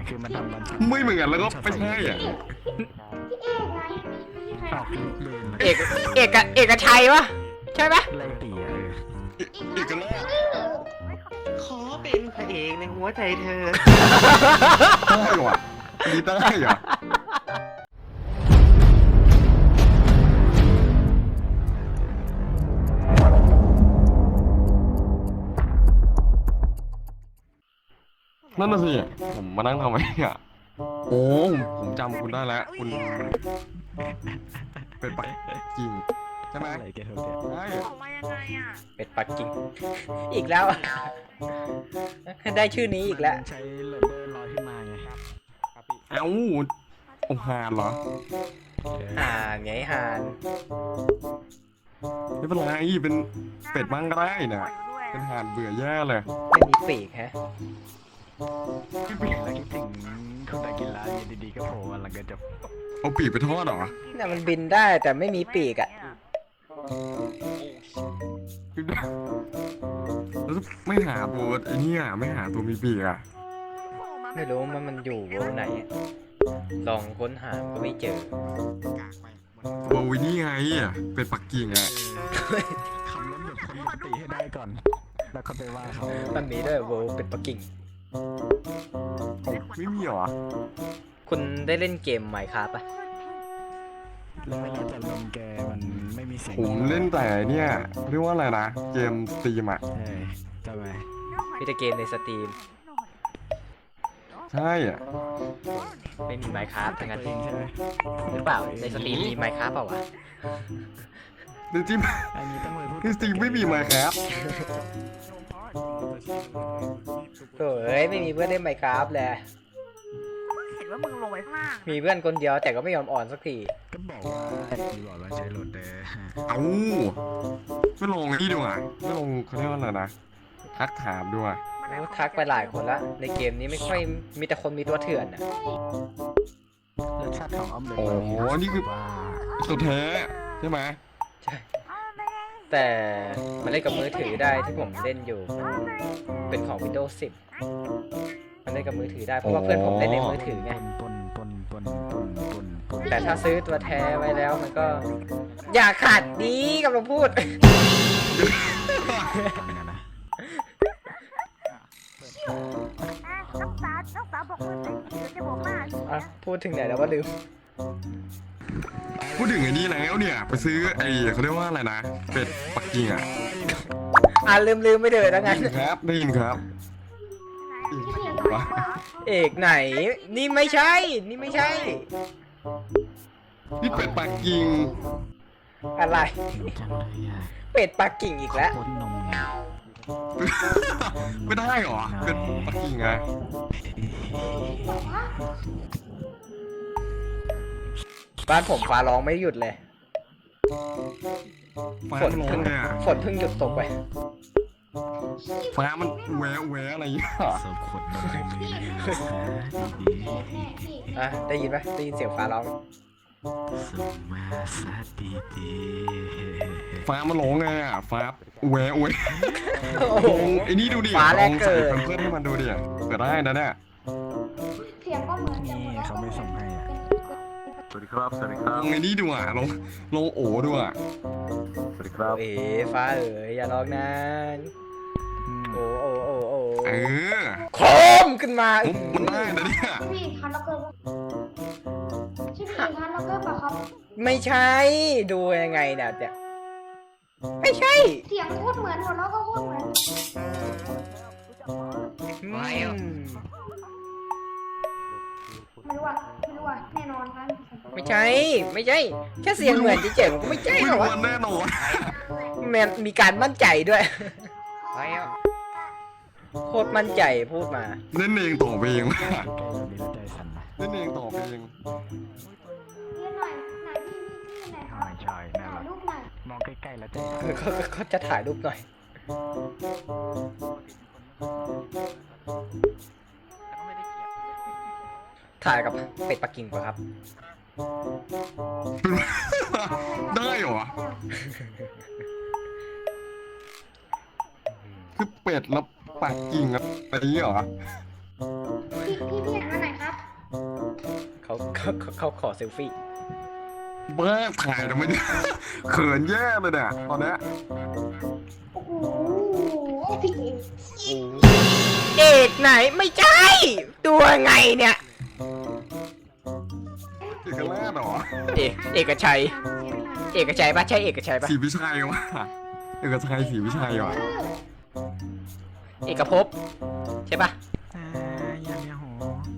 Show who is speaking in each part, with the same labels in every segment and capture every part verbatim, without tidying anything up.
Speaker 1: คือมันทำมัน
Speaker 2: ไม่เหมือนแล้วก็ไม่ใช่อ่ะ
Speaker 3: พี่เอกไงมีใคร
Speaker 1: ออกลิฟต์เลย
Speaker 4: เอกเอกเอกชัยวะใช่ปะ
Speaker 1: ไล่ตีเออ
Speaker 2: อีกแล้ว
Speaker 5: ขอเป็นพระเอกในหัวใจเธอ
Speaker 2: ได้หรออันนี้ได้เหรอนั่นน่ะสิผมมานั่งทำไมอ่ะโอ้ผมจำคุณได้แล้วคุณเป็นปักกิ่งใช่ไหม
Speaker 1: อะไรแกเถอะ
Speaker 2: ใช่
Speaker 3: ออกมายังไงอ่ะ
Speaker 4: เป็ดปักกิ่งอีกแล้วอะได้ชื่อนี้อีกแล้ว
Speaker 1: ใช้เลนเดอร์ลอยขึ้นมาไง
Speaker 2: เอ้าโอ้หานเหรอ
Speaker 4: ห่านไงห่าน
Speaker 2: ไม่เป็นไรเป็นเป็ดบ้างก็ได้นะเป็นห่านเบื่อแย่เลย
Speaker 4: ไม่มีปีกฮะ
Speaker 1: คิดถึงแล้วคิดถึงคุณตากินร้านอยู่ดีๆก็โผล่มาหลังกระจก
Speaker 2: เอาปีกไปทอดเหรอ
Speaker 4: เนี่ยมันบินได้แต่ไม่มีปีกอะ
Speaker 2: แล้วไม่หาตัวไอ้นี่อ่ะไม่หาตัวมีปีกอ่ะ
Speaker 4: ไม่รู้มันมันอยู่วงไหนอะลองค้นหาก็ไม่เจอ
Speaker 2: ตัววินี่ไงอ่ะเป็นปักกิ่งอ่ะ
Speaker 1: คำนั้นแบบคนปกติให้ได้ก่อน แล้วก็ไปว่าเขา
Speaker 4: มันมีด้วยโวเป็ดปักกิ่ง
Speaker 2: ไม่มีเหรอ
Speaker 4: คุณได้เล่นเกม Minecraft ปะ
Speaker 1: แล้วเวลาจะลงแกมันไม่มีเสียง
Speaker 2: ผมเล่นแต่เนี่ยเรียกว่าอะไรนะเกมสตรีมอ่ะ
Speaker 1: เฮ้ยทำไม
Speaker 4: มีแต่เกมในสตรีม
Speaker 2: ใช่อ่ะ
Speaker 4: ไม่มี Minecraft ทั้งนั้น
Speaker 1: ตัวเองใช่ไหม
Speaker 4: หรือเปล่าในสตรีมมี Minecraft เปล่าวะ
Speaker 2: ในจริง
Speaker 1: อันนี้ต้องไปพูด
Speaker 2: ในสตรีมไม่มีมาครับ
Speaker 4: โอ้ยไม่มีเพื่อนเล่น Minecraft เลย
Speaker 3: เห็นว่ามึงลงไปข้างล่าง
Speaker 4: มีเพื่อนคนเดียวแต่ก็ไม่ยอมอ่อนสักที
Speaker 1: ก็บอกว่ามีบอกว่าใช้โหลดเดอร์
Speaker 2: เอ้าไม่ลงนี่ดีกว่าไม่ลงเขาเรียกว่าอะไรนะทักถามด้วย
Speaker 4: โอ้ทักไปหลายคนละในเกมนี้ไม่ค่อยมีแต่คนมีตัวเถื่อนอ่ะ
Speaker 1: รสชาติของออมเล็ต
Speaker 2: โอ้โหนี่คือ
Speaker 1: ว่า
Speaker 2: ตัวแท้ใช่ไหม
Speaker 4: ใช่ แต่มันเล่นกับมือถือได้ที่ผมเล่นอยู่ เป็นของ Windows สิบ มันเล่นกับมือถือได้เพราะว่าเพื่อนผมเล่นในมือถือไง
Speaker 1: ปนปนปนปนปนปน
Speaker 4: แต่ถ้าซื้อตัวแท้ไว้แล้วมันก็ อย่าขาดดีกับเราพูด
Speaker 1: ฟังนะนะ
Speaker 3: น้องสาวน้องสาวบอกว่าเดี๋ยวจะบอกว่า
Speaker 4: อ่ะพูดถึงไหนแล้วว่าลืม
Speaker 2: พูดถึงไอ้นี่แล้วเนี่ยไปซื้อไอ้เขาเรียกว่าอะไรนะเป็ดปักกิ่งอ่ะ
Speaker 4: อ่ะลืมลืมไม่เดินแล้ว
Speaker 2: ได้
Speaker 4: งั้น
Speaker 2: ยินครับได้ยินครับวะ
Speaker 4: เอกไหน นี่ไม่ใช่ นี่ไม่ใช่
Speaker 2: นี่เป็ดปักกิ่ง
Speaker 4: อะไร
Speaker 1: จริงจังเลยอ่ะ
Speaker 4: เป็ดปักกิ่งอีกแล้ว
Speaker 1: ปนนมไง
Speaker 2: ไม่ได้เหรอเป็นปักกิ่งไง
Speaker 4: บ้านผมฟ้าร้องไม่หยุดเลย
Speaker 2: ฟ้า
Speaker 4: ฝน
Speaker 2: มันร้อ
Speaker 4: เพิ่
Speaker 2: ง
Speaker 4: ง
Speaker 2: เนี่ย
Speaker 4: ฝนเพิ่งหยุดตกไป
Speaker 2: ฟ้ามันแหวะแหวะอะไรอย่างเงี้ย
Speaker 1: สมขวดนมเลยดี
Speaker 4: อ่ะได้ยินไหมได้ยินเสียงฟ้าร้อง
Speaker 1: ๆสมมาซะดีดี
Speaker 2: ฟ้ามันร้องไงอ่ะฟ้าแหวะแหวะ
Speaker 4: โอ้
Speaker 2: ล
Speaker 4: โห
Speaker 2: องไอ้นี่ดูดิ
Speaker 4: ฟ้าแรก
Speaker 2: ลอง
Speaker 4: เกิ
Speaker 2: ใส่
Speaker 4: ด
Speaker 2: เพื่อนให้มันดูดิเกิดได้นะเนี่ย
Speaker 3: เสียงก็เหมือน
Speaker 1: นี่เขาไม่ส่งให้อ่ะ
Speaker 6: สวัสดีครับ สวัสดีครั
Speaker 2: ล
Speaker 6: บ
Speaker 2: องไอ้นี่ดูอ่ะลองลองโอ้ดูอ่ะ
Speaker 6: สวัสดีครับ
Speaker 4: เอ๋ฟ้าเอ๋ยอย่าร้องนาน
Speaker 1: อืม
Speaker 4: โอ้โอ้โอ้โอ้
Speaker 2: เออ
Speaker 4: โคมขึ้นมา
Speaker 2: ผมมันได้นะเนี่ย
Speaker 3: พี่ทันล็อกเกอร์ชื่อพี่ทันล็อกเกอร์ป่ะครับ
Speaker 4: ไม่ใช่ ดูยังไงเนี่ยเนี่ยไม่ใช่
Speaker 3: เสียงโคตรเหมือนหัวเราะก็โคตรเหมือน
Speaker 4: อืม
Speaker 3: ไม่รู้อ่ะไม่รู้อ่ะแน่นอนครับ
Speaker 4: ไม่ใช่ ไม่ใช่ แค่เสียงเหมือนเจ๋งๆก็ไม่ใช่
Speaker 2: ไม่
Speaker 4: หรอ
Speaker 2: รู้
Speaker 4: วะ
Speaker 2: ว่าแน่นอน
Speaker 4: แมนมีการมั่นใจด้วยโคตรมั่นใจพูดมา
Speaker 2: เล่นเองต่อเพลงว่ะ
Speaker 1: ใกล้ๆเรามีแล้วใจสั่นนะ
Speaker 2: เล่นเองต่อเพลง
Speaker 3: เรียนหน่อยไหนพี่พี่ไหนครับ
Speaker 1: ไม่ใช่น่า
Speaker 3: ถ่า
Speaker 1: รั
Speaker 3: ย
Speaker 1: ก
Speaker 3: รูปหน่อย
Speaker 1: มองใกล้ๆแล้วใจ
Speaker 4: เออเขาเขาจะถ่ายรูปหน่อย ถ่ายกับเป็ดปักกิ่งป่ะครับ
Speaker 2: ได้เหรอคือเป็ดแล้วปักกิ่งอะไรอย่างเงี้ยเหรอ
Speaker 3: พี่พี่พี่อันไหนครับ
Speaker 4: เขาขอเซลฟี่
Speaker 2: เบ้อถ่ายทำไมเนี่ยเขินแย่เลยเนี่ยตอนเนี้ย
Speaker 3: โอ้โหพี่เอก
Speaker 4: เอกไหนไม่ใช่ตัวไงเนี่ย
Speaker 2: เอกราชเหรอ
Speaker 4: เอกเอกชัย เอกชัยปะใช่เอกชัยปะ
Speaker 2: ศรีวิชัยวะเอกชัยศรีวิชัยวะ
Speaker 4: เอกภพใช่ปะ
Speaker 1: อ่าอย่าเนี่ยโห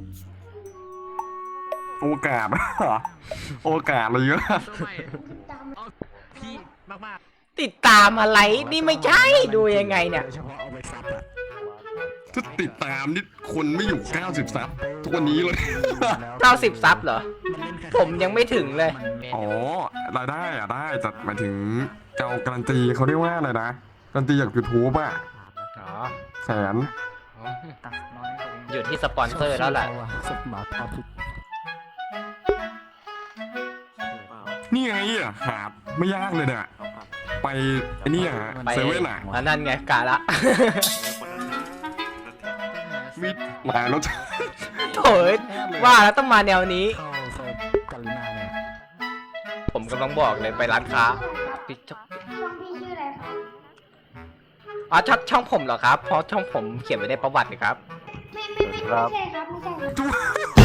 Speaker 2: โอกาสเหรอโอกาสอะไรเยอะ
Speaker 1: พี่มาก
Speaker 4: ติดตามอะไรนี่ไม่ใช่ดูยังไงเนี่ย
Speaker 1: โดยเฉพาะเอาไปซับอะ
Speaker 2: ถ้าติดตามนี่คนไม่อยู่เก้าสิบซับทุกวันนี้เลย
Speaker 4: เก้าสิบซับเหรอ ผมยังไม่ถึงเลย
Speaker 2: อ๋อรายได้อะได้แต่หมายถึงเจ้าการันตีเขาเรียกว่าอะไรนะการันตีจากยูทูบอะ
Speaker 4: อ๋อ
Speaker 2: แสน
Speaker 1: ตัดน้อย
Speaker 4: อยู่ที่สปอนเซอร์แล้วแหละ
Speaker 1: สบมาเอาทุก
Speaker 2: นี่ไงอ่ะหาไม่ยากเลยเนี่ยไปไอ้นี่อ่ะ
Speaker 4: ไป
Speaker 2: เซเว่นอ่ะ
Speaker 4: อันนั่นไงกาละ
Speaker 2: มีหลายรสชาติ
Speaker 4: โถ่ว่าแล้วต้องมาแนวนี้
Speaker 1: เข้าเซิร์ฟกาลินาเนี่ย
Speaker 4: ผมกำลังบอกเลยไปร้านค้าปิด
Speaker 3: ช่องพี่ชื่ออะไรครับ
Speaker 4: อ๋อช่องช่องผมเหรอครับ เพราะช่องผมเขียนไว้ในประวัติเลยครับ
Speaker 3: ไม่ไม่ไม่ไม่ใช่ครับไม่ใช่ครับ
Speaker 2: จุ๊บ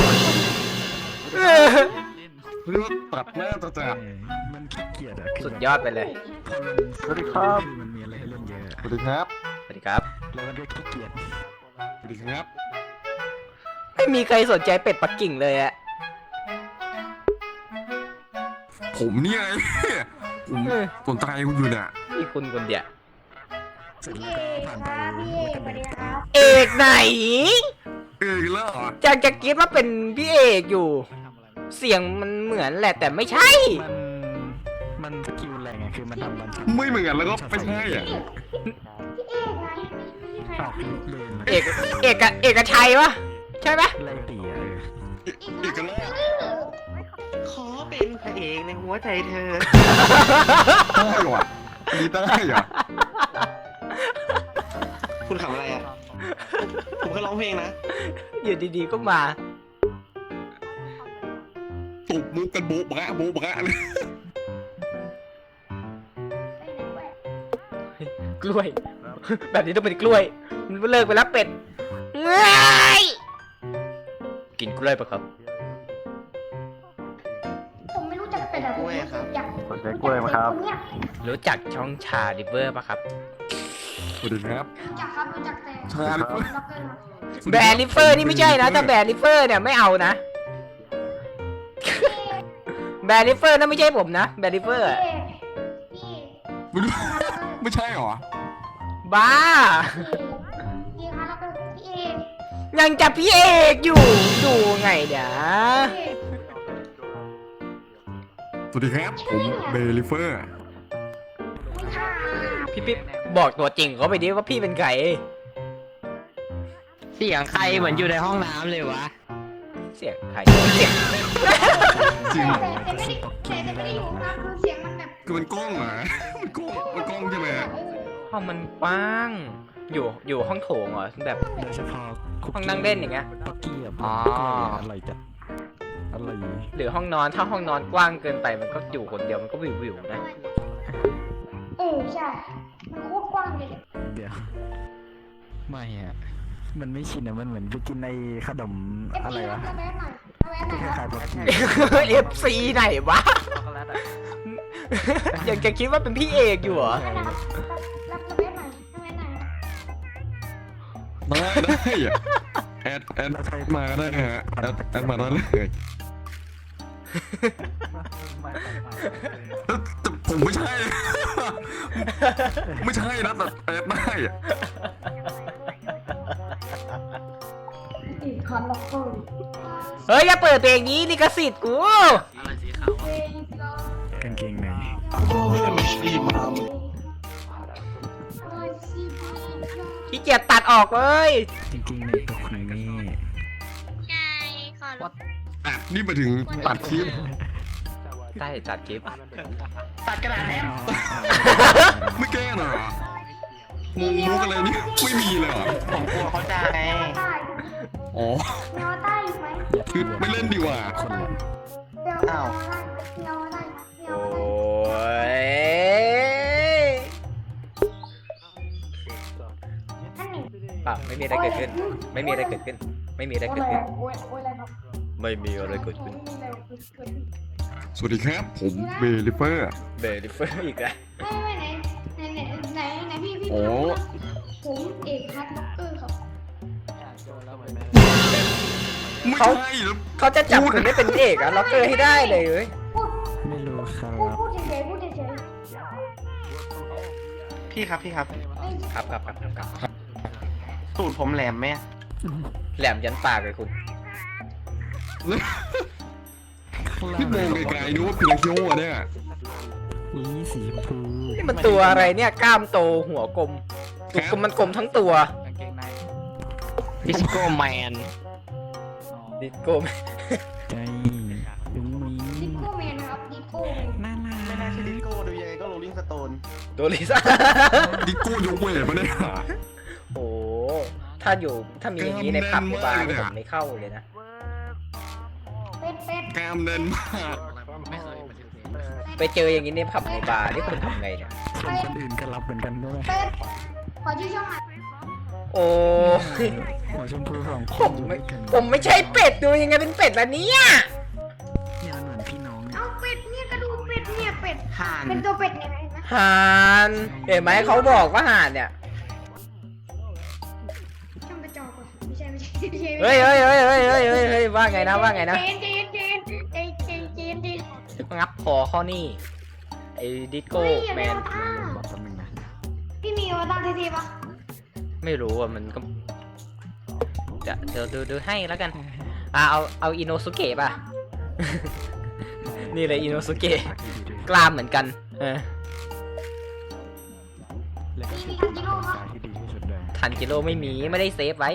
Speaker 2: เรียกว่าตัดหน้าจะจัด
Speaker 1: เออมันขี้เกียจอะคื
Speaker 4: สุด
Speaker 1: แบบ
Speaker 4: ยอดไปเลย
Speaker 2: สวัสดีครับ
Speaker 1: มันมีอะไรให้เล่นเยอะ
Speaker 2: สวัสดีครับ
Speaker 4: สวัสดีครับ
Speaker 1: แล้วมันก็ขี้เกียจ
Speaker 2: สวัสดีครับ
Speaker 4: ไม่มีใครสนใจเป็ดปักกิ่งเลยอะ
Speaker 2: ผมเนี่ยไงผมสนใจคุณอยู่เนี่ย
Speaker 4: มีคุณคนเดียว
Speaker 1: เสร็จ
Speaker 3: พี่
Speaker 1: แล้ว
Speaker 3: เอ
Speaker 1: ก็
Speaker 3: ก
Speaker 1: ผ่าน
Speaker 3: ค
Speaker 1: ไป
Speaker 3: รับพี่เอกสวัสดีครับ
Speaker 4: เอกไหน
Speaker 2: เอกแล้วเหรอ
Speaker 4: จากจะคิดว่าเป็นพี่เอกอยู่ เสียงมันเหมือนแหละแต่ไม่ใช่
Speaker 1: มันมันสกิลแรงไงคือมันทำมัน
Speaker 2: ไม่เหมือนแล้วก็ไม่ใช่อ่ะ
Speaker 3: พี่เอกไงไม่มีใคร
Speaker 1: ออกลิฟต์เลยนะ
Speaker 4: เอกเอกเอกชัยวะใช่ไหม
Speaker 1: ไล่ตีอะเออ
Speaker 2: เอกแล้ว
Speaker 5: ขอเป็นพระเอกในหัวใจเธอ
Speaker 2: ได้เหรออันนี้ได้เหรอ
Speaker 5: คุณขำอะไรอ่ะ ผมก็ร้องเพลงนะ
Speaker 4: อยู่ดีๆก็มา
Speaker 2: ตบมุกกันโบ๊ะบะโบ๊ะบะเลย
Speaker 4: กล้วย แบบนี้ต้องเป็นกล้วย มันเลิกไปแล้วเป็ดเงยกินกล้วยปะครับ
Speaker 3: ผมไม่รู้จักเป็นอะไร
Speaker 5: กล้วยครับ
Speaker 3: อยาก
Speaker 6: สนใจกล้วยไหมครับ
Speaker 3: นเนี้ย
Speaker 4: รู้จักช่องชาดิเวอร์ปะครับ
Speaker 2: สวัสดีครับ
Speaker 3: รู้จักครับรู้จักแต่
Speaker 2: ชาลิฟ
Speaker 3: ล็อกเกอร์ครับ
Speaker 4: แบร์ลิเฟอร์นี่ไม่ใช่นะแต่แบร์ลิเฟอร์เนี่ยไม่เอานะ แบร์ลิเฟอร์นั่นไม่ใช่ผมนะแบร์ลิเฟอร์อะ
Speaker 3: พี่
Speaker 2: ไม่รู้ไม่ใช่เหรอ
Speaker 4: บ้า
Speaker 3: พี่คะแล้วก็พี่เอก
Speaker 4: ยังจะพี่เอกอยู่ดูไงเดี๋ยว
Speaker 3: พี่เอก
Speaker 2: สวัสดีครับ ผมเบลิเฟอร์
Speaker 3: ไม่ใช่
Speaker 4: พี่ปิ๊บบอกตัวจริงเขาไปดิว่าพี่เป็นใคร
Speaker 7: เสียงใครเหมือนอยู่ในห้องน้ำเลยวะ
Speaker 4: เสียงใครเสียง
Speaker 2: จริง
Speaker 3: แต่แต่ไม่ได้แต่แต่ไม่ได้อยู่ครับคือเสียงมันแบบ
Speaker 2: คือมันกล้องเหรอมันกล้องมันกล้องใช่ไหม
Speaker 4: ห้องมันกว้าง อยู่อยู่ห้องโถงเหรอแบบ
Speaker 1: โดยเฉพาะคุก
Speaker 4: ห้องนั่งเล่นอย่างเงี้ย
Speaker 1: ปักกี้อะ
Speaker 4: อ๋อ
Speaker 1: อร่อยจัดอร่อย
Speaker 4: หรือห้องนอนถ้าห้องนอนกว้างเกินไปมันก็อยู่คนเดียวมันก็วิววิวๆนะ
Speaker 3: เออใช่มันโคตรกว้างเลย
Speaker 1: เดี๋ยวไม่อะมันไม่ชินอะมันเหมือนไปกินในขนม
Speaker 3: เอฟ
Speaker 1: อะไร
Speaker 3: ซีรั
Speaker 1: วะ
Speaker 3: บระแวะหน่อยระแวะห
Speaker 1: ก็
Speaker 3: น่อย
Speaker 1: ค
Speaker 3: ค
Speaker 1: ล้า
Speaker 3: รับ
Speaker 1: ยๆปักกี้
Speaker 4: เอฟซีไหนวะยังจะคิดว่าเป็นพี่เอกอยู่เหรอ
Speaker 3: นั่นนะครับรับระแวะหน่อยระแวะหน่อย
Speaker 2: ได้ได้อะแอดแอดมาได้ฮะแอดแอดมาได้เลยแต่ผมไม่ใช่ ไม่ใช่นะแต่แอดได้อะ
Speaker 3: อีกคอนล็อกเกอร์
Speaker 4: เฮ้ยอย่าเปิดเพลงนี้ลิขสิทธิ์กู
Speaker 1: กางเกงใน
Speaker 4: ขี้เกียจตัดออกเลย
Speaker 1: กางเกงในตัวคุณนี่
Speaker 2: อ่ะนี่มาถึงตัดคลิป
Speaker 4: ได้จัดคลิป
Speaker 5: ตัดกระดาษแทน
Speaker 2: ไม่แก้หน่อยเหรอมุกมุกอะไรนี่ไม่มีเลยเหรอ
Speaker 5: ผมกลัวเขาจะไง
Speaker 3: ใต้
Speaker 2: อ๋อ
Speaker 3: แนวใต้อยู่ไหม
Speaker 1: อย่าท
Speaker 2: คือไม่เล่นดีกว่า
Speaker 1: คนละ
Speaker 5: อ้าว
Speaker 4: โอ้ยเปล่าไม่มีอะไรเกิดขึ้น ไม่มีอะไรเกิดขึ้น ไม่มีอะไรเกิดขึ้น ไม่มีอะไรเกิดขึ้น
Speaker 2: สวัสดีครับ ผมเบลิเฟอร์
Speaker 4: เบลิเฟอร์อีกแล้ว
Speaker 8: ไม่ไม่ไหนไหนไหนไหนไหนพี่พี่
Speaker 2: โอ้
Speaker 8: ผมเอกพัฒน์ล็อกเกอร์ครับ
Speaker 2: ไม่
Speaker 4: เขา
Speaker 2: ใช่แล้ว
Speaker 4: เขาจะจับคุณได้เป็นเอกอะล็อกเกอร์ให้ได้เลยเว้ย
Speaker 8: พูด
Speaker 1: ไม่รู้ครั
Speaker 8: พูด
Speaker 1: บ
Speaker 8: พูดเฉยๆพูดเฉย
Speaker 5: พี่ครับพี่ครับ
Speaker 4: ครับครับครับครับครับ
Speaker 5: สูตรผมแหลมไหม
Speaker 4: แหลมยันปากเลยคุณ
Speaker 2: พี่มองไกลๆดูว่าพิลาคิโอเนี่ย
Speaker 1: อีสีชมพู
Speaker 4: นี่มันตัวอะไรเนี่ย กล้ามโตหัวกลมตัวกลมมันกลมทั้งตัว
Speaker 7: ดิสโก้แมน
Speaker 4: ดิโก้
Speaker 1: ใจยุ้งมิ
Speaker 8: ๆดิ
Speaker 1: ง
Speaker 8: โก้แมนนะครับดิโก้แมน
Speaker 1: น่ารัก
Speaker 5: ไม่น่าใช่ดิสโก้ดูยังไงก็โรลลิงสโตน
Speaker 4: ตัวลิซ่า
Speaker 2: ดิโก้ยกเวทมาเนี่ย
Speaker 4: โอ้ถ้าอยู่ถ้ามีอย่างนี้ในผับในบาร์นี่
Speaker 2: ก
Speaker 4: ผ
Speaker 2: ล้าม
Speaker 4: ม
Speaker 2: แน่นมากเลยอะ
Speaker 4: ไม่เข้าเลยนะ
Speaker 8: เป็ดเป็ด
Speaker 2: กล้ามแน่นมาก
Speaker 4: ไปเจออย่างนี้ในผับในบาร์นี่คุณทำไงเนี่ย
Speaker 1: ส่วนคนอื่นก็รับเหมือนกันด้วย
Speaker 8: เป็ดขอชื่อช่องหน่อย
Speaker 4: โอ้ย
Speaker 1: หัวชมพูสองค
Speaker 4: ผ
Speaker 1: น
Speaker 4: ม
Speaker 1: อยู่
Speaker 4: ไม่
Speaker 1: ด้วยกัน
Speaker 4: ผมไม่ใช่เป็ดดูยังไงเป็นเป็ดล่ะเนี่ย
Speaker 1: เนี่ยมันเหมือนพี่น้องเนี่ย
Speaker 8: เอาเป็ดเนี่ยกระดูกเป็ดเนี่ยเป็ด
Speaker 5: ห่าน
Speaker 8: เป็นตัวเป็ดเนี่ยเห็นไหม
Speaker 4: ห่านเห็นไหมเขาบอกว่าห่านเนี่ย
Speaker 8: ช่องกระจอกว่ะไม่ใช่ไม่ใช่ไม่ใช่
Speaker 4: เฮ้ยเฮ้ยเฮ้ยเฮ้ยเฮ้ยเฮ้ยเฮ้ยว่าไงนะว่าไงนะ
Speaker 8: เจนเจนเจนเจนเจนเจนเจนเจน
Speaker 4: งับคอข้อนี่ไอ้ดิสโก้
Speaker 8: เฮ้ยอย่า
Speaker 4: แม
Speaker 8: ไป
Speaker 4: น
Speaker 8: เอาตา
Speaker 1: บอกแป๊บนึงนะ
Speaker 8: พี่มีอวตารเท่ๆปะ
Speaker 4: ไม่รู้อ่ะมันก็จะเดี๋ยวดูดูให้แล้วกันอ่าเอาเอาอินโนสุเกะป่ะ นี่เลยอินโนสุเกะกล้ามเหมือนกันเออ
Speaker 1: แล้วก็
Speaker 8: มี
Speaker 1: ชุ
Speaker 8: มี
Speaker 1: ด
Speaker 8: ทันจิโร่ปะ
Speaker 1: ที่ดีที่สุดเลย
Speaker 4: ทันกิโลไม่มีไม่ได้เซฟไว้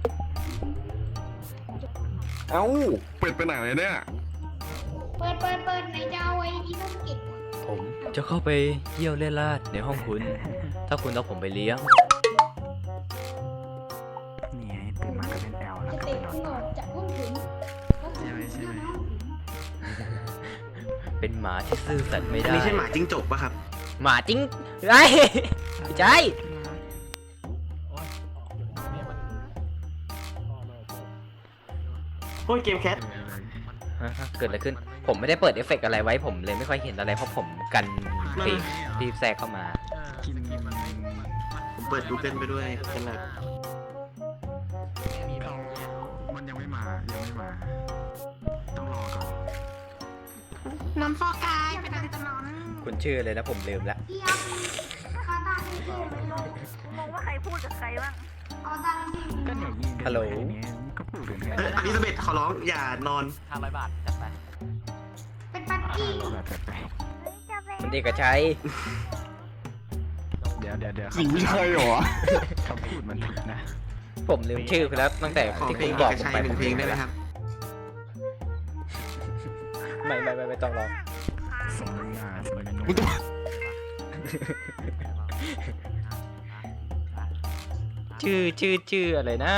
Speaker 2: เอ้าเป็ดไปไหนเนี่ย
Speaker 8: เปิดเปิดเปิดไหนจะเอาไอ้อีโนสกิ
Speaker 4: ผมจะเข้าไปเยี่ยวเล่นลาดในห้องคุณ ถ้าคุณเอาผมไปเลี้ยง
Speaker 1: นี่ไงตื่นมาก็เป็นแอลแล้ว
Speaker 8: จะ
Speaker 1: ก็
Speaker 8: เตะ
Speaker 1: เป็นนอ
Speaker 8: คุณ
Speaker 1: น
Speaker 8: ออกจากห้องถึงแล้ว
Speaker 1: ใช่ไหมใช่ไหม
Speaker 4: เป็นหมาที่ซื่อสัตย์ไม่
Speaker 5: อัน
Speaker 4: ได้
Speaker 5: นี้ใช่หมาจิ้งจกปะครับ
Speaker 4: หมาจริงไอ้ไม่ใช่
Speaker 5: โอ้ยเกมแคท
Speaker 4: ฮะเกิดอะไรขึ้น ผมไม่ได้เปิดเอฟเฟกต์อะไรไว้ผมเลยไม่ค่อยเห็นอะไรเพราะผมกันปีกที่แทรกเข้ามา
Speaker 1: กิน
Speaker 5: ผมเปิดดูเกิลไปด้วยกันเลย
Speaker 1: มันยังไม่มายังไม่มา ต้องรอก่อน
Speaker 8: น้ำฟอกกายเป็นอันตราย
Speaker 4: คุณชื่อเลยนะผมลืมแล้ว
Speaker 8: พี่ครับอวตารที่พี่
Speaker 3: งงว่าใครพูดกับใครบ้าง
Speaker 8: อวตารที่พี่
Speaker 1: ก็เนี่ยยิงกัน
Speaker 4: ฮัลโหล
Speaker 1: แค่นี้ก็พูดถึงแค่
Speaker 5: เอออลิซาเบธขอร้องอย่านอน
Speaker 8: เป็นปักกี้
Speaker 1: แบบแปลก
Speaker 4: คุณเอกชัย
Speaker 1: ๆเดี๋ยวเดี๋ยวเดี๋ยว
Speaker 2: สิ่งไม่ใช่เหรอ
Speaker 1: คำพูดมันผิดนะ
Speaker 4: ผมลืมชื่อคุณแล้วตั้งแต่
Speaker 5: ขอ
Speaker 4: ที่
Speaker 5: เพล
Speaker 4: คุ
Speaker 5: ง
Speaker 4: ณ
Speaker 5: เอบ
Speaker 4: อก
Speaker 5: ก
Speaker 4: ผม
Speaker 5: ชัย
Speaker 4: ไป
Speaker 5: หนึ่งเพลงได้ไหมครับ
Speaker 4: ไม่ไม่ไม่ไม่ต้องร้อง
Speaker 1: สมน้ำหน้าสมน้ำหน้า
Speaker 2: มึงต้อง
Speaker 4: ชื่อชื่อชื่ออะไรนะ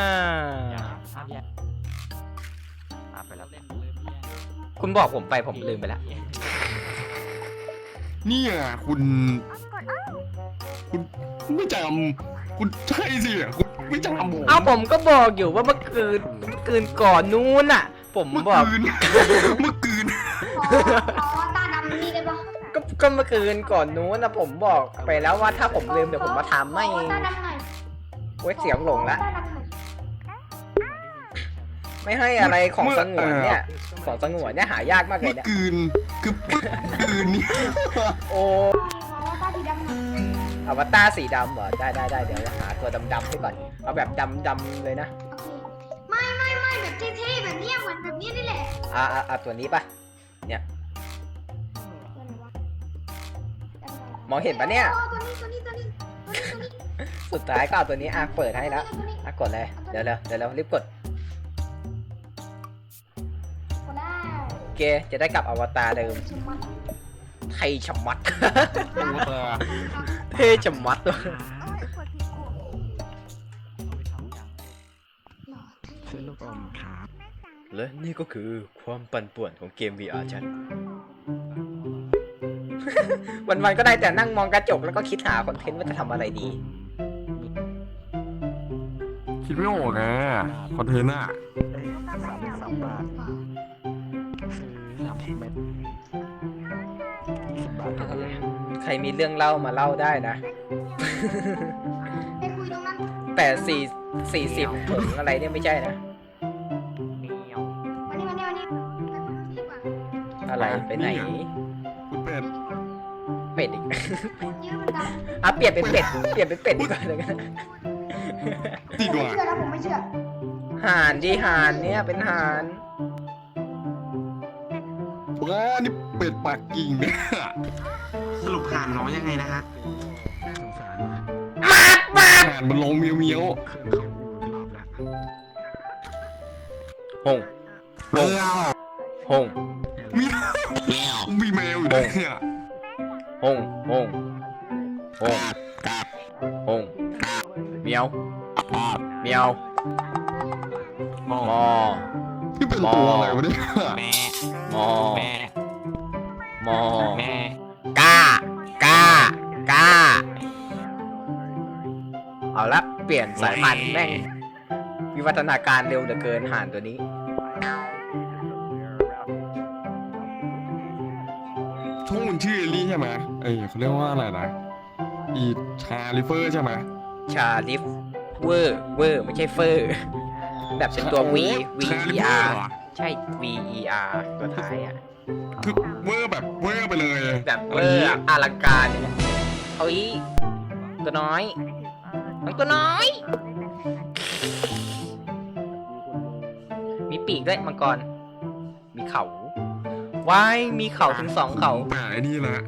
Speaker 4: คุณบอกผมไปผมลืมไปแล้ว
Speaker 2: เนี่ยคุณ คุณไม่จำคุณใช่สิคุณไม่จำผม
Speaker 4: เอ้าผมก็บอกอยู่ว่าเมื่อคืนเมื่อคืนก่อนนู้นอ่ะ ผม
Speaker 2: เมื่อ
Speaker 4: บอก
Speaker 2: คืน เมื่อคืน
Speaker 8: ขอขออวตารดำนี่ได้ปะ
Speaker 4: ก็ก็เมื่อคืนก่อนนู้นนะผมบอกไปแล้วว่าถ้าผมลืมเดี๋ยวผมมาทำไม่
Speaker 8: ขออวตารดำหน่อย
Speaker 4: เว้ยเสียงหลงละ
Speaker 8: อวตารดำหน่อย
Speaker 4: ไม่ให้อะไรของสงวนเนี่ยของสงวนเนี่ยหายากมากเล
Speaker 2: เมื่
Speaker 4: ย
Speaker 2: อ
Speaker 4: เนี่ย
Speaker 2: คืนคือเมื่อคืนเนี่ย
Speaker 4: โอ้
Speaker 8: ขออวตารสีดำหน่อย
Speaker 4: อวตารสีดำเหรอได้ได้ได้เดี๋ยวหาตัวดำๆให้ก่อนเอาแบบดำๆเลยนะ
Speaker 8: โอเคไม่ไม่ไม่แบบเท่ๆแบบเนี้ยเหมือนแบบเนี้ยนี่แหละ
Speaker 4: อ่าอ่าตัวนี้ปะเนี่ยมองเห็นปะเนี่ย
Speaker 8: โอ้ตัวนี้ตัวนี้ตัวนี้ตัวนี้ตัวนี้
Speaker 4: สุดท้ายก็เอาตัวนี้อ่ะเปิดให้แล้วอ่ะกดเลยเดี๋ยวเร็วเดี๋ยวเร็วรีบกด
Speaker 8: ก็ได้
Speaker 4: โอเคจะได้กลับอวตารเดิม
Speaker 8: สมมัติ
Speaker 4: ไทยชะมัด
Speaker 2: ตัวตา
Speaker 4: เท่ชะมัดตัว
Speaker 3: เอ้ยปวดที่กู
Speaker 8: หล่อเท่
Speaker 1: ซื้อลูกอมครับ
Speaker 3: แม่จ๋าแ
Speaker 4: และนี่ก็คือความปั่นป่วนของเกม วี อาร์ ฉัน วันๆก็ได้แต่นั่งมองกระจกแล้วก็คิดหาคอนเทนต์ว่าจะทำอะไรดี
Speaker 2: คิดไม่ออกไงคอนเทนต์อะ
Speaker 1: สามบาทซื้อสามสิบเม็ดสิบบาทเท่ากันเลย
Speaker 4: ใครมีเรื่องเล่ามาเล่าได้นะ
Speaker 8: ไปคุยตรงนั้น
Speaker 4: แต่สี่สี่สิบถุงอะไรเนี่ยไม่ใช่นะ
Speaker 8: วันนี้วันนี้วันนี้ไปคุยดีกว่า
Speaker 4: อะไรไปไหน
Speaker 2: คุณเป็ด
Speaker 4: เป็ดอีก
Speaker 8: เยอะมันดัง
Speaker 4: อ่ะเปลี่ยนเป็นเป็ด เปลี่ยนเป็นเป็ดดีกว่าเลยกัน
Speaker 2: ดีก
Speaker 8: ไม่
Speaker 2: ว่า
Speaker 8: เชื่อนะผมไม่เชื่อ
Speaker 4: ห่านที่ห่านเนี่ยเป็นห่าน
Speaker 2: ว้านี่เป็ดปากกิ่งเนี่ย
Speaker 5: สรุปผ่านน้องยังไงนะฮะ
Speaker 1: สงสาร
Speaker 2: อาหารมันลงเมียวเมียว
Speaker 1: เครื่องเขาอูรอบแล้ว
Speaker 4: หง
Speaker 2: เมียว
Speaker 4: หง
Speaker 2: มีมีแมวอยู่ด้วยเนี่ย
Speaker 4: หงหงหงหงเมียวเมียวมอ
Speaker 2: นี่เป็นตัวอะไรวะเนี่ย
Speaker 7: แม่
Speaker 4: มอ
Speaker 7: แม่
Speaker 4: มอ
Speaker 7: แม่
Speaker 4: ก้ากล้ากล้าเอาละเปลี่ยนสายพันธุ์แม่งวิวัฒนาการเร็วเหลือเกินห่านตัวนี้
Speaker 2: ช่องมันชื่อเอลลี่ใช่ไหมเอ้ยเขาเรียกว่าอะไรนะอีชาลิเฟอร์ใช่ไหม
Speaker 4: ชาลิฟเวอร์เวอร์ไม่ใช่เฟอร์ แบบเป็นตัว V V
Speaker 2: ชา
Speaker 4: E
Speaker 2: ลิเฟอ
Speaker 4: R
Speaker 2: ร์เหรอ
Speaker 4: ใช่ V E R ตัวท้ายอ่ะ
Speaker 2: คือเวอร์แบบเวอร์ไปเลย
Speaker 4: แบบเวอร์อะอลังการเอาอีตัวน้อยน้องตัวน้อย มีปีกด้วยมังกร มีเขาว้ายมีเขาถึงสองเขา
Speaker 2: ผมแปะไอ้นี่ละ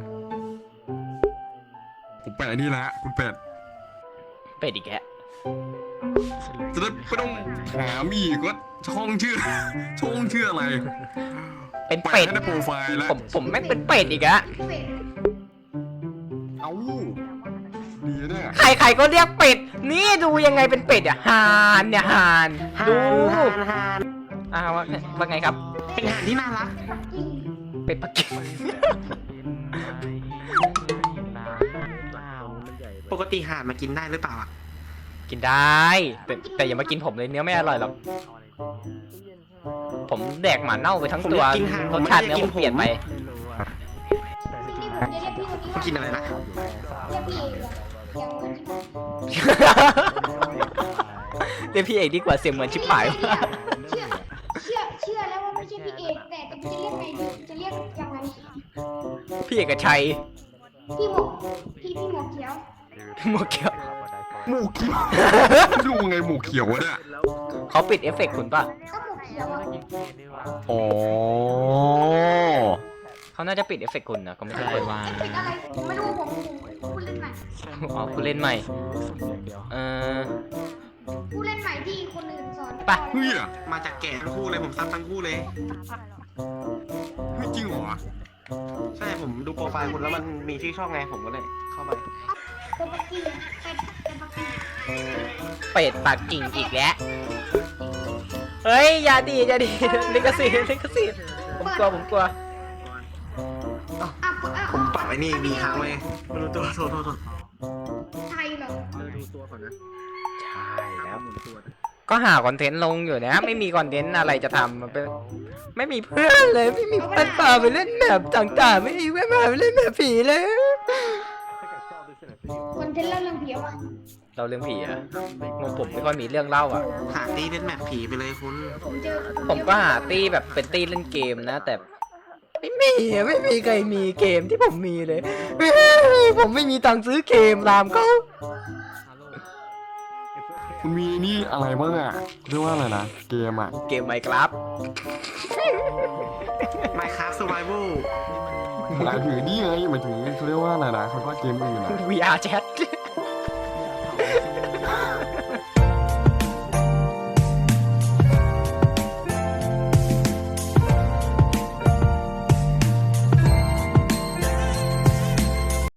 Speaker 2: ผมแปะไอ้นี่ละคุณเป็ด
Speaker 4: เป็ดอีกแกะ
Speaker 2: จะได้ไม่ต้องถามอีกว่าช่องชื่อ ช่องชื่ออะไร
Speaker 4: เป็น
Speaker 2: แปะ
Speaker 4: เป็ด
Speaker 2: ให้ในโปรไฟล์แล้ว
Speaker 4: ผมผมแม่งเป็นเป็ดอีกอะ
Speaker 8: เป็ด
Speaker 2: เอ้าดีเนี่ย
Speaker 4: ใครๆก็เรียกเป็ด นี่ดูยังไงเป็นเป็ดอะห่านเนี่ยห่านดู
Speaker 5: ห่านห่าน
Speaker 4: อ้าวว่าว่าไงครับ
Speaker 5: เป็นห่านที่น่ารัก
Speaker 8: จริง
Speaker 4: เป็ดปักกิ่ง
Speaker 5: ปกติห่านมากินได้หรือเปล่าอ่ะ
Speaker 4: กินได้ แต่แต่อย่ามากินผมเลยเนื้อไม่อร่อยหรอก ผมแดกหมาเน่าไปทั้งตัว
Speaker 5: ผมอยากกินห่าน
Speaker 4: รสชาติเนื้อผมเปลี่ยนไป
Speaker 1: ไม่รู้อะแต่สุด
Speaker 8: นี่
Speaker 1: ท้าย
Speaker 8: ผมจะเรียกพี่คนนี้
Speaker 5: มากินอะไรนะ
Speaker 8: เรียกพี่เองเหรอยังเหมือนที่ผม
Speaker 4: เรียกพี่เอกดีกว่าเสียงเหมือนชิบหาย
Speaker 8: เชื่อเชื่อเชื่อแล้วว่าไม่ใช่พี่เอกแต่แต่จะเรียกไงดีจะเรียกยังไง
Speaker 4: พี่เอกชัย
Speaker 8: พี่หมวกพี่พี่หมวกเขียว
Speaker 4: หมวกเขียว
Speaker 2: หมูเขียวดูไงหมูเขียววะเนี่ย
Speaker 4: เขาปิดเอฟเฟกต์คุณป่ะ
Speaker 8: ก็หมวกเขียวอะ
Speaker 2: อ๋อ
Speaker 4: เขาน่าจะปิดเอฟเฟกต์คุณนะก็ไม่ใช่
Speaker 7: อะไร
Speaker 4: คน
Speaker 7: วะ
Speaker 8: เป็นอะไรผมไม่รู้ผมผมผู้เล่นใหม่
Speaker 4: อ๋อคุณเล่นใหม่
Speaker 1: อย่างเดียว
Speaker 4: เออ
Speaker 8: ผู้เล่นใหม่ที่คนอื่นสอน
Speaker 4: ไป
Speaker 2: เฮ้ย
Speaker 5: มาจากแก่ทั้งคู่เลยผมซับทั้งคู่เลย
Speaker 2: เฮ้ยจริงเหรอ
Speaker 5: ใช่ผมดูโปรไฟล์คุณแล้วมันมีชื่อช่องไงผมก็เลยเข้าไป
Speaker 8: เป็นปักกิ่งเป็นเป็นปักกิ่ง
Speaker 4: เป็ดปากกิ่งอีกแล้ว เฮ้ย อย่าดีอย่าดีลิขสิทธิ์ลิขสิทธิ์ผมกลัวผมกลัว
Speaker 8: อ่ะอ่ะอ่ะ
Speaker 5: ผมปรับไอ้นี่มีค้างไว้ไม่รู้ตัวโทษโทษโทษ
Speaker 8: ไทยเหรอ
Speaker 5: ดูตัวก่อนนะ
Speaker 4: ใช่แล้ว ก็หาคอนเทนต์ลงอยู่นะ ไม่มีคอนเทนต์อะไรจะทำมันเป็นไม่มีเพื่อนเลย ไม่มีเพื่อนพาไปเล่นแบบต่างๆ ไม่มีเพื่อนพาไปเล่นแบบผีเลย
Speaker 8: คอนเทนต์เล่าเรื่องผีวะ
Speaker 4: เราเรื่องผีอะงงผมไม่ค่อยมีเรื่องเล่าอะ
Speaker 5: หาตีเล่นแมปผีไปเลยคุณ
Speaker 8: ผมเจอ
Speaker 4: ผมก็หาตี้แบบเป็นตี้เล่นเกมนะ แต่ไม่มีอะไม่มีใครมีเกมที่ผมมีเลย ผมไม่มีตังค์ซื้อเกมตามเขา
Speaker 2: คุณมีนี่อะไรบ้างอ่ะเรียกว่าอะไรนะ เกมอ่ะ
Speaker 4: เกมไมครับ
Speaker 5: Minecraft Survival
Speaker 2: หมายถึงนี่ไงหมายถึงเขาเรียกว่าอะไรนะเขาว่าเกมอื่นอ่ะ
Speaker 4: วี อาร์ Chat